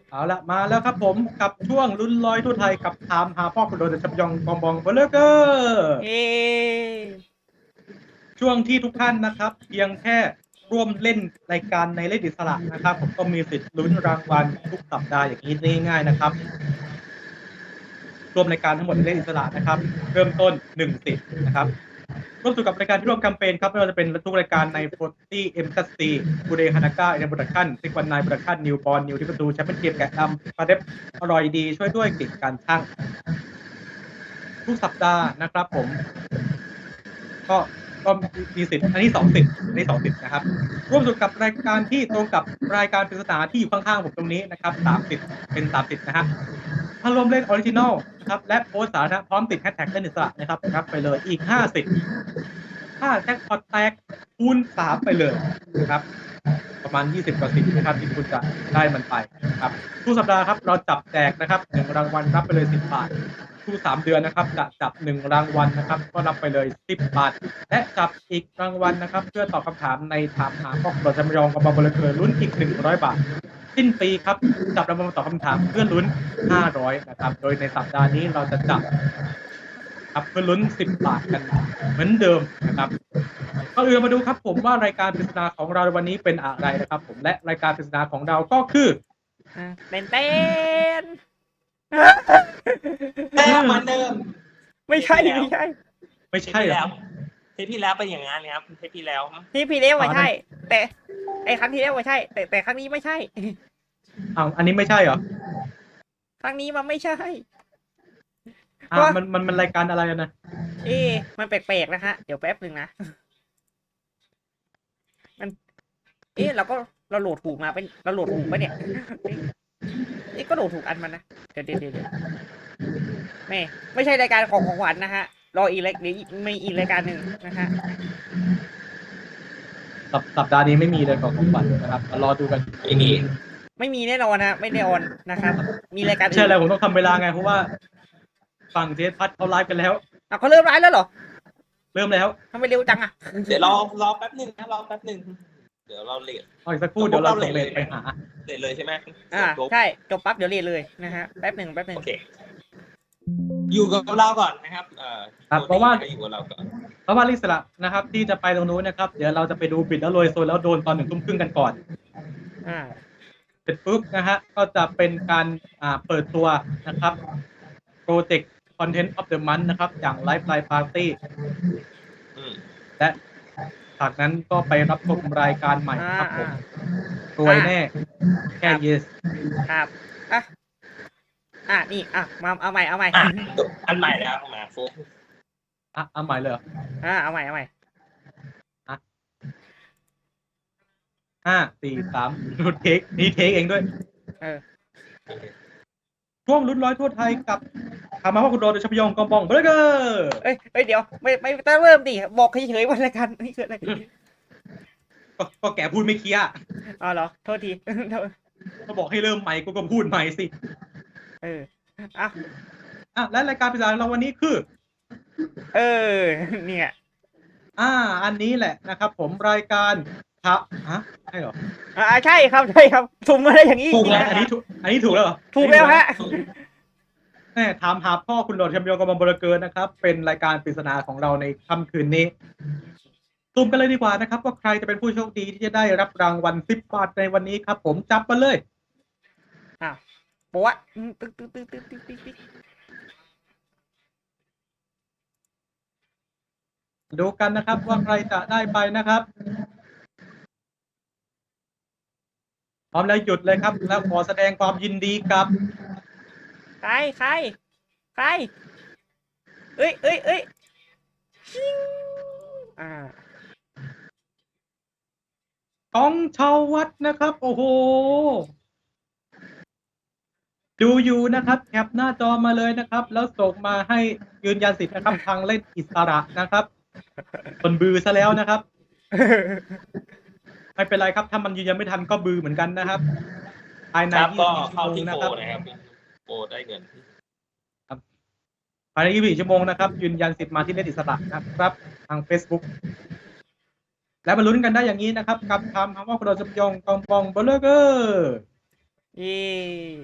เอาละมาแล้วครับผมกับช่วงลุ้นลอยทั่วไทยกับถามหาพ่อคุณโดนชับยองกองบองเบลเกอร์เอช่วงที่ทุกท่านนะครับเพียงแค่ร่วมเล่นรายการในเล่นอิสระนะครับผมก็มีสิทธิ์ลุ้นรางวัลทุกสัปดาห์อย่างนี้ได้ง่ายๆนะครับรวมรายการทั้งหมดในเล่นอิสระนะครับเริ่มต้น1 สิทธิ์นะครับร่วมสู่กับรายการที่ร่วมแคมเปญครับไม่ว่าจะเป็นทุกรายการใน40 MCC บูเดฮานาก้าเอ็นโปรดักชั่นซิกวันไนโปรดักชั่นนิวบอลนิวที่ประตูแชมเปี้ยนเกมแกะดำปลาเด็บอร่อยดีช่วยด้วยเก่งการช่างทุกสัปดาห์นะครับผมก็ก็มีสิทธิ์อันนี้2 สิทธิ์อันนี้2 สิทธิ์นะครับร่วมสู่กับรายการที่ตรงกับรายการปริศนาที่อยู่ข้างๆผมตรงนี้นะครับ30เป็น30นะฮะถ้ารวมเล่นออริจินอลนะครับและโพสต์สาธารณะพร้อมติดแฮชแท็กเล่นอิสระนะครับรับไปเลยอีก50ถ้าแจ็คพอตแตกคูณ3ไปเลยนะครับประมาณ20 กว่าสิทธิ์นะครับที่คุณจะได้มันไปนะครับทุกสัปดาห์ครับเราจับแจกนะครับ1 รางวัลรับไปเลย10 บาททุก3 เดือนนะครับจะจับ1 รางวัลนะครับก็รับไปเลย10 บาทและจับอีกรางวัลนะครับเพื่อตอบคำถามในถามหาข้อเราจะมายองกับบอลเลเกอร์ลุ้นอีก100 บาทสิ้นปีครับจับรางวัลมาตอบคำถามเพื่อลุ้น500นะครับโดยในสัปดาห์นี้เราจะจับครับเพื่อลุ้น10 บาทกันเหมือนเดิมนะครับก็มาดูครับผมว่ารายการปริศนาของเราในวันนี้เป็นอะไรนะครับผมและรายการปริศนาของเราก็คือเต้นเต้นเหมือนเดิมไม่ใช่ไม่ใช่ไม่ใช่เหรอเทปที่แล้วเป็นอย่างนั้นครับเทปที่แล้วที่พี่เลี้ยวไม่ใช่ แต่ไอ้ครั้งที่แล้วไม่ใช่ แต่ครั้งนี้ไม่ใช่อันนี้ไม่ใช่เหรอครั้งนี้มันไม่ใช่มันรายการอะไรนะมันแปลกๆนะฮะเดี๋ยวแป๊บหนึ่งนะมันเราโหลดถูกมาเป็นเราโหลดถูกปะเนี่ยก็โหลดถูกอันมันนะเดี๋ยวไม่ใช่รายการของขวัญนะฮะรออีกเดี๋ยวมีอีกรายการหนึ่งนะฮะสัปดาห์นี้ไม่มีเลยของขวัญนะครับรอดูกันไม่มีแน่นอนนะไม่แน่นอนนะครับมีรายการใช่แล้วผมต้องทำเวลาไงเพราะว่าฝั่งเทสพัทเขาไลฟ์กันแล้วเขาเริ่มไลฟ์แล้วเหรอเริ่มแล้วทำไมเร็วจังอ่ะเดี๋ยวรอแป๊บหนึ่งนะรอแป๊บหนึ่งเดี๋ยวเราเลทอีกสักครู่เดี๋ยวเราส่งเลทไปหาเลทเลยใช่ไหมใช่จบปั๊บเดี๋ยวเลทเลยนะฮะแป๊บหนึ่งโอเคอยู่กับเราก่อนนะครับเพราะว่าอยู่กับเราก่อนเพราะว่าลิสละนะครับที่จะไปตรงนู้นนะครับเดี๋ยวเราจะไปดูปิดแล้วโรยโซนแล้วโดนตอน1 ทุ่มครึ่งกันก่อนเสร็จปุ๊บนะฮะก็จะเป็นการเปิดตัวนะครับโปรเจกต์ Content of the Month นะครับอย่าง Live Live Party และจากนั้นก็ไปรับชมรายการใหม่ครับผมรวยแน่แค่ yes ครับนี่มาเอาใหม่อันใหม่แล้วมาโฟกเอาใหม่เลยเอาใหม่ 5 4 3ดูเทคนี่เทคเองด้วยช่วงลุ้นร้อยทั่วไทยกับถามมาว่าคุณโดนโดยชัพยองกองบองเบรเกอร์เดี๋ยวไม่ต้องเริ่มดิบอกเฉยๆวันละกันนี่คืออะไรก็แกพูดไม่เคลียร์เหรอโทษทีก็บอกให้เริ่มใหม่ก็พูดใหม่สิและรายการพิเศษเราวันนี้คือเนี่ยอันนี้แหละนะครับผมรายการครับใช่เหรอใช่ครับถูกมาได้อย่างนี้ถูกแล้วอันนี้ถูกแล้วเหรอถูกแล้วฮะถามหาพ่อคุณโดดแชมป์ยองกับบอลเกอร์นะครับเป็นรายการปริศนาของเราในค่ำคืนนี้ตุ่มกันเลยดีกว่านะครับว่าใครจะเป็นผู้โชคดีที่จะได้รับรางวัล10 บาทในวันนี้ครับผมจับมาเลยบอกว่าดูกันนะครับว่าใครจะได้ไปนะครับพร้อมแล้วหยุดเลยครับแล้วขอแสดงความยินดีกับใครเอ้ยชิงกองชาววัดนะครับโอ้โหดูอยู่นะครับแคปหน้าจอมาเลยนะครับแล้วส่งมาให้ยืนยันสิทธิ์นะครับทางเล่นอิสระนะครับคนบือซะแล้วนะครับไม่เป็นไรครับถ้ามันยืนยันไม่ทันก็บือเหมือนกันนะครับภายใน 24 ชั่วโมงนะครับโอ้ได้เงินภายใน24 ชั่วโมงนะครับยืนยันสิทธิ์มาที่เล่นอิสระนะครับทาง Facebook และมาลุ้นกันได้อย่างนี้นะครับกับคำว่าคุณโดนชัพยองกองบองเบลเกอร์เย้